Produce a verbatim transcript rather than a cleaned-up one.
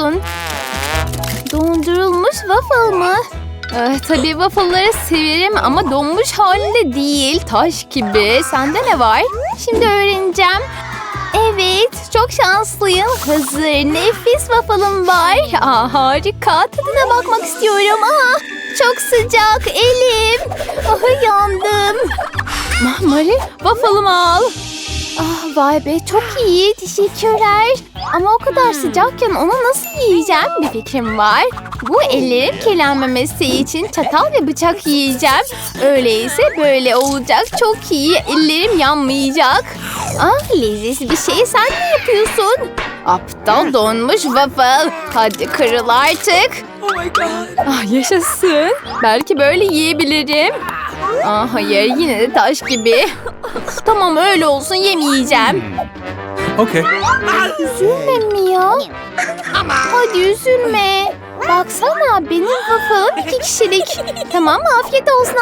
istiyorsun? Dondurulmuş waffle mı? Eh, tabii waffle'ları severim ama donmuş halinde değil. Taş gibi. Sende ne var? Şimdi öğreneceğim. Evet, çok şanslıyım. Hazır, nefis waffle'ım var. Aa, harika. Tadına bakmak istiyorum. Aa, çok sıcak, elim. Ah, yandım. Mari, waffle'ımı al. Ah, vay be, çok iyi. Teşekkürler. Ama o kadar sıcakken onu nasıl yiyeceğim? Bir fikrim var. Bu ellerim kirlenmemesi için çatal ve bıçak yiyeceğim. Öyleyse böyle olacak. Çok iyi. Ellerim yanmayacak. Ah, lezzetli bir şey sen ne yapıyorsun? Aptal donmuş waffle. Hadi kırıl artık. Oh my god. Ah, yaşasın. Belki böyle yiyebilirim. Ah, hayır, yine de taş gibi. Tamam, öyle olsun, yemeyeceğim. Okay. Üzülme Mia. Hadi üzülme. Baksana, benim waffle'ım iki kişilik. Tamam, afiyet olsun.